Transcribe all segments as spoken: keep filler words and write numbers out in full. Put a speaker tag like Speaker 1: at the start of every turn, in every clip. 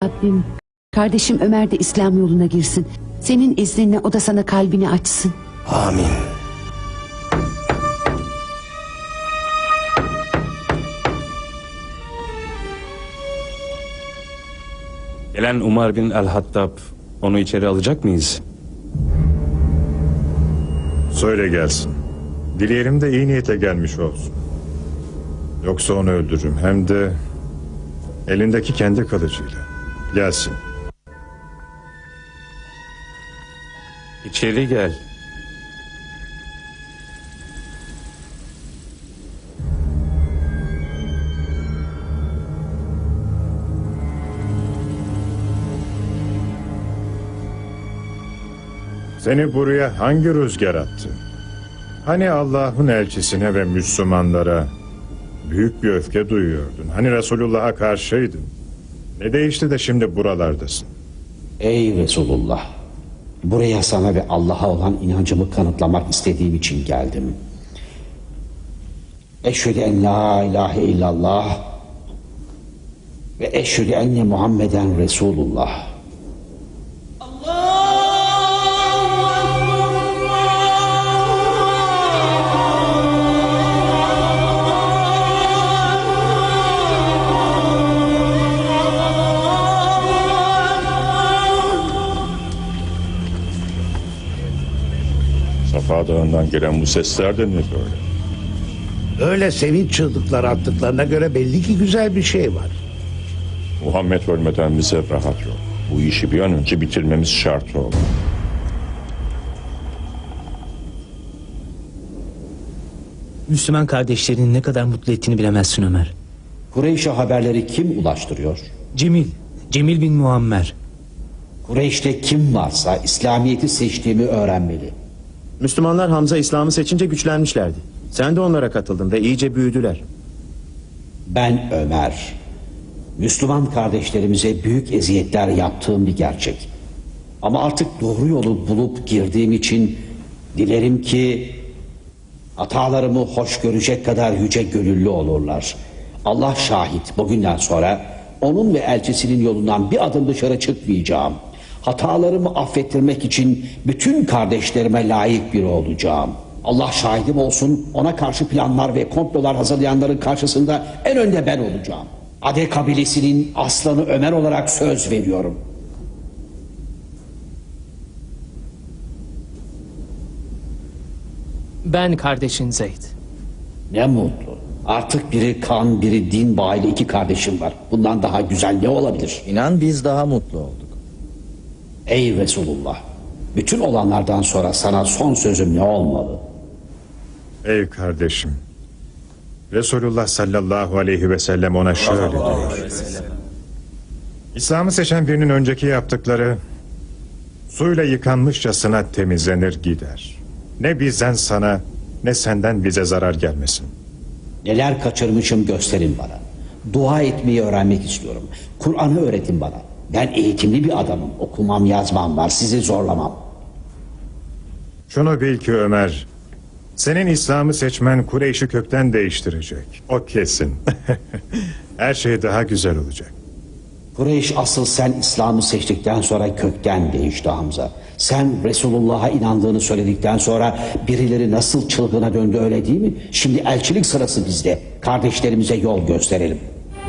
Speaker 1: Rabbim, kardeşim Ömer de İslam yoluna girsin. Senin izninle o da sana kalbini açsın.
Speaker 2: Amin.
Speaker 3: Gelen Umar bin el-Hattab, onu içeri alacak mıyız?
Speaker 4: Söyle gelsin. Dileyelim de iyi niyete gelmiş olsun. Yoksa onu öldürürüm. Hem de elindeki kendi kılıcıyla. Gelsin.
Speaker 3: İçeri gel.
Speaker 4: Seni buraya hangi rüzgar attı? Hani Allah'ın elçisine ve Müslümanlara büyük bir öfke duyuyordun. Hani Resulullah'a karşıydın. Ne değişti de şimdi buralardasın?
Speaker 5: Ey Resulullah! Buraya sana ve Allah'a olan inancımı kanıtlamak istediğim için geldim. Eşhedü en la ilahe illallah ve eşhedü enne Muhammeden Resulullah.
Speaker 4: Safa Dağı'ndan gelen bu sesler de ne böyle?
Speaker 2: Öyle sevinç çığlıkları attıklarına göre belli ki güzel bir şey var.
Speaker 4: Muhammed ölmeden bize rahat yok. Bu işi bir an önce bitirmemiz şart oldu.
Speaker 6: Müslüman kardeşlerinin ne kadar mutlu ettiğini bilemezsin Ömer.
Speaker 5: Kureyş'e haberleri kim ulaştırıyor?
Speaker 6: Cemil, Cemil bin Muammer.
Speaker 5: Kureyş'te kim varsa İslamiyet'i seçtiğimi öğrenmeli.
Speaker 7: Müslümanlar Hamza İslam'ı seçince güçlenmişlerdi. Sen de onlara katıldın ve iyice büyüdüler.
Speaker 5: Ben Ömer. Müslüman kardeşlerimize büyük eziyetler yaptığım bir gerçek. Ama artık doğru yolu bulup girdiğim için dilerim ki hatalarımı hoş görecek kadar yüce gönüllü olurlar. Allah şahit, bugünden sonra onun ve elçisinin yolundan bir adım dışarı çıkmayacağım. Hatalarımı affettirmek için bütün kardeşlerime layık biri olacağım. Allah şahidim olsun, ona karşı planlar ve komplolar hazırlayanların karşısında en önde ben olacağım. Ade kabilesinin aslanı Ömer olarak söz veriyorum.
Speaker 8: Ben kardeşin Zeyd.
Speaker 5: Ne mutlu. Artık biri kan, biri din bağıyla iki kardeşim var. Bundan daha güzel ne olabilir?
Speaker 7: İnan biz daha mutlu olduk.
Speaker 5: Ey Resulullah! Bütün olanlardan sonra sana son sözüm ne olmalı?
Speaker 4: Ey kardeşim. Resulullah sallallahu aleyhi ve sellem ona şöyle diyor. İslam'ı seçen birinin önceki yaptıkları suyla yıkanmışçasına temizlenir gider. Ne bizden sana ne senden bize zarar gelmesin.
Speaker 5: Neler kaçırmışım gösterin bana. Dua etmeyi öğrenmek istiyorum. Kur'an'ı öğretin bana. Ben eğitimli bir adamım. Okumam yazmam var. Sizi zorlamam.
Speaker 4: Şunu bil ki Ömer, senin İslam'ı seçmen Kureyş'i kökten değiştirecek. O kesin. Her şey daha güzel olacak.
Speaker 5: Kureyş asıl sen İslam'ı seçtikten sonra kökten değişti Hamza. Sen Resulullah'a inandığını söyledikten sonra birileri nasıl çılgına döndü öyle değil mi? Şimdi elçilik sırası bizde. Kardeşlerimize yol gösterelim.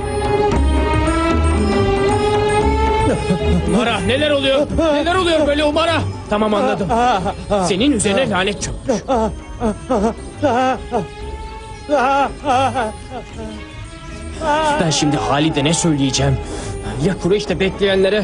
Speaker 8: Umara neler oluyor? Neler oluyor böyle Umara? Tamam anladım. Senin üzerine lanet çökmüş. Ben şimdi Halid'e ne söyleyeceğim? Ya Kureyş'te bekleyenlere?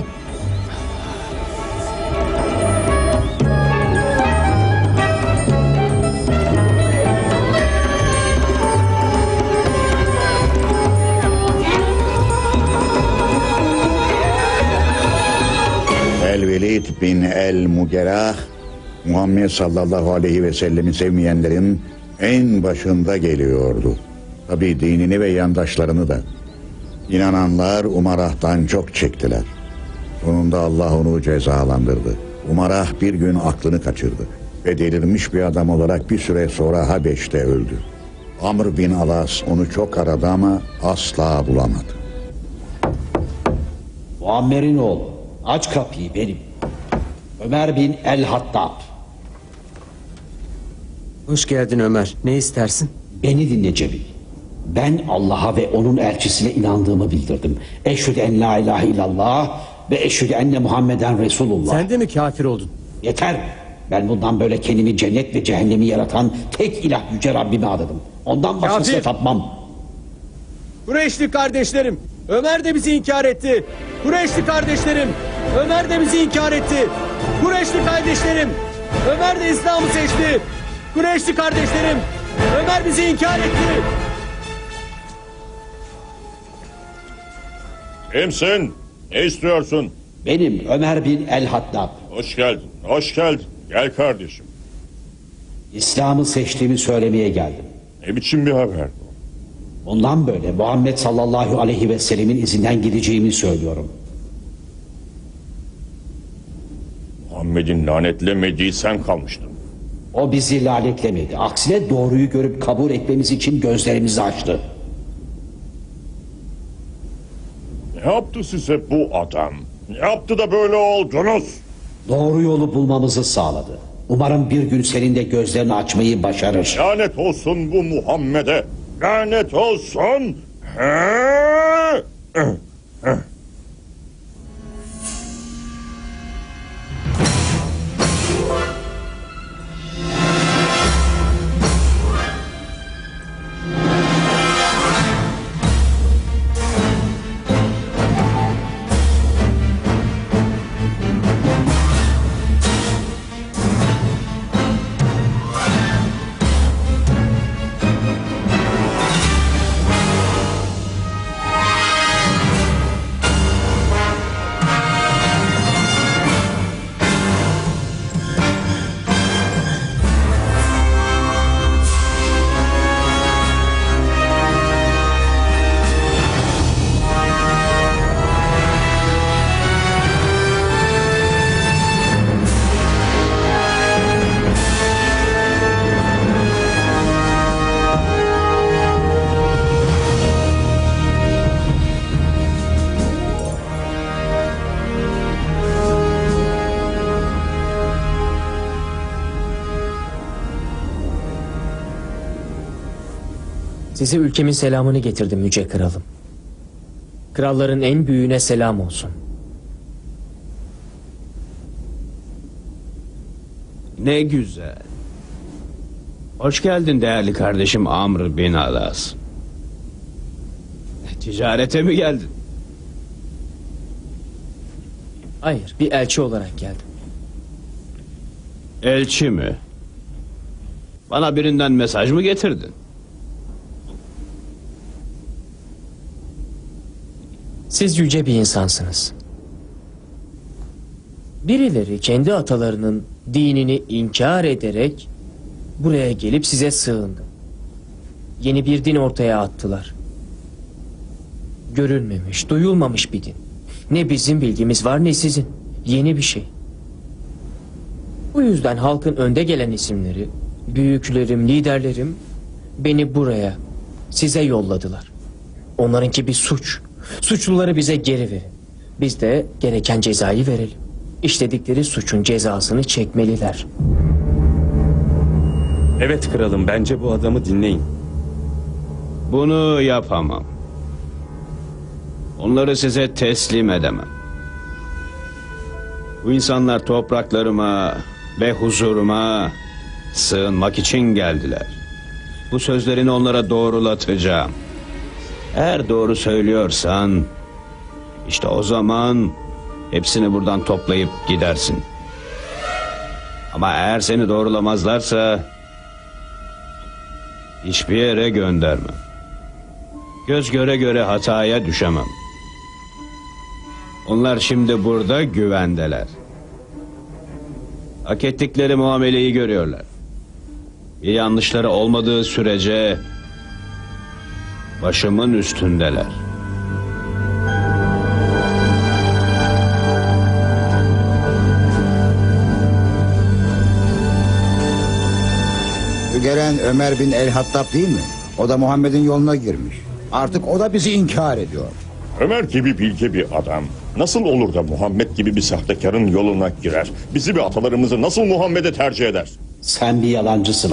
Speaker 9: El-Velid bin el-Mugerah, Muhammed sallallahu aleyhi ve sellemi sevmeyenlerin en başında geliyordu. Tabi dinini ve yandaşlarını da. İnananlar Umarah'tan çok çektiler. Sonunda Allah onu cezalandırdı. Umarah bir gün aklını kaçırdı ve delirmiş bir adam olarak bir süre sonra Habeş'te öldü. Amr bin Alas onu çok aradı ama asla bulamadı.
Speaker 5: Muammer'in oğlu. Aç kapıyı benim. Ömer bin el-Hattab.
Speaker 10: Hoş geldin Ömer. Ne istersin?
Speaker 5: Beni dinle Cemil. Ben Allah'a ve onun elçisine inandığımı bildirdim. Eşhedü en la ilahe illallah ve eşhedü enne Muhammeden Resulullah.
Speaker 10: Sen de mi kafir oldun?
Speaker 5: Yeter. Ben bundan böyle kendimi cennet ve cehennemi yaratan tek ilah yüce Rabbime adadım. Ondan başkasına
Speaker 10: Kafir!
Speaker 5: tapmam.
Speaker 10: Kureyşli kardeşlerim, Ömer de bizi inkar etti. Kureyşli kardeşlerim, Ömer de bizi inkar etti. Kureyşli kardeşlerim, Ömer de İslam'ı seçti. Kureyşli kardeşlerim, Ömer bizi inkar etti.
Speaker 11: Kimsin? Ne istiyorsun?
Speaker 5: Benim Ömer bin el-Hattab.
Speaker 11: Hoş geldin, hoş geldin. Gel kardeşim.
Speaker 5: İslam'ı seçtiğimi söylemeye geldim.
Speaker 11: Ne biçim bir haber bu?
Speaker 5: Ondan böyle Muhammed sallallahu aleyhi ve sellemin izinden gideceğimi söylüyorum.
Speaker 11: Muhammed'in lanetlemediği sen kalmıştın.
Speaker 5: O bizi lanetlemedi. Aksine doğruyu görüp kabul etmemiz için gözlerimizi açtı.
Speaker 11: Ne yaptı size bu adam? Ne yaptı da böyle oldunuz?
Speaker 5: Doğru yolu bulmamızı sağladı. Umarım bir gün senin de gözlerini açmayı başarır.
Speaker 11: Lanet olsun bu Muhammed'e. Lanet olsun. He?
Speaker 8: Size ülkemin selamını getirdim yüce kralım. Kralların en büyüğüne selam olsun.
Speaker 12: Ne güzel. Hoş geldin değerli kardeşim Amr bin Alas. Ticarete mi geldin?
Speaker 8: Hayır, bir elçi olarak geldim.
Speaker 12: Elçi mi? Bana birinden mesaj mı getirdin?
Speaker 8: Siz yüce bir insansınız. Birileri kendi atalarının dinini inkar ederek buraya gelip size sığındı. Yeni bir din ortaya attılar. Görülmemiş, duyulmamış bir din. Ne bizim bilgimiz var ne sizin. Yeni bir şey. Bu yüzden halkın önde gelen isimleri, büyüklerim, liderlerim beni buraya, size yolladılar. Onlarınki bir suç. Suçluları bize geri verin. Biz de gereken cezayı verelim. İşledikleri suçun cezasını çekmeliler.
Speaker 3: Evet kralım, bence bu adamı dinleyin.
Speaker 12: Bunu yapamam. Onları size teslim edemem. Bu insanlar topraklarıma ve huzuruma sığınmak için geldiler. Bu sözlerini onlara doğrulatacağım. Eğer doğru söylüyorsan, işte o zaman hepsini buradan toplayıp gidersin. Ama eğer seni doğrulamazlarsa hiçbir yere göndermem. Göz göre göre hataya düşemem. Onlar şimdi burada güvendeler. Hak ettikleri muameleyi görüyorlar. Bir yanlışları olmadığı sürece başımın üstündeler.
Speaker 13: Bu gelen Ömer bin el-Hattab değil mi? O da Muhammed'in yoluna girmiş. Artık o da bizi inkar ediyor.
Speaker 11: Ömer gibi bilge bir adam nasıl olur da Muhammed gibi bir sahtekarın yoluna girer? Bizi ve atalarımızı nasıl Muhammed'e tercih eder?
Speaker 5: Sen bir yalancısın